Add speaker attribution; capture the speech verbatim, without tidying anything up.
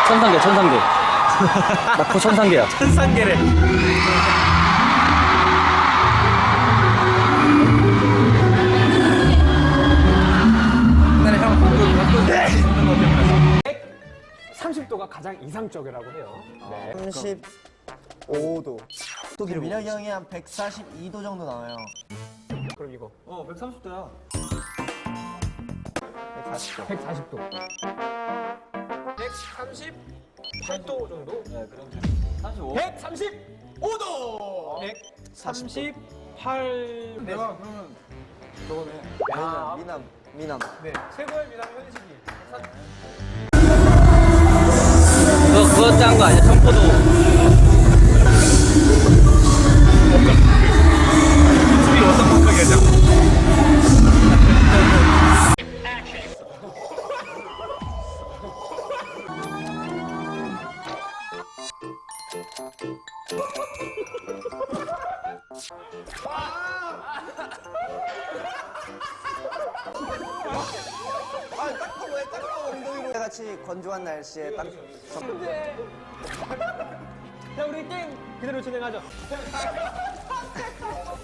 Speaker 1: 천상계, 천상계. 낙포 천상계야.
Speaker 2: 천상계래. 옛날에 형 바꾸 바꾸
Speaker 3: 백삼십 도가 가장 이상적이라고 해요. 네.
Speaker 4: 삼십오 도. 또 민혁이 형이 한 백사십이 도 정도 나와요.
Speaker 3: 그럼 이거
Speaker 2: 어 백삼십 도야.
Speaker 4: 백사십 도.
Speaker 3: 백사십 도. 백삼십팔 도 정도?
Speaker 2: 네 그럼 삼십오.
Speaker 3: 백삼십오 도. 백삼십팔.
Speaker 2: 내가 그러면 저거네.
Speaker 3: 아,
Speaker 4: 미남, 미남.
Speaker 3: 네. 최고의 미남 현식이.
Speaker 1: 그거, 그거 짠 거 아니야? 청포도.
Speaker 2: 집이 어떤 방송이야?
Speaker 4: 같이 건조한 날씨에 딱.
Speaker 3: 자, 우리 게임 그대로 진행하죠.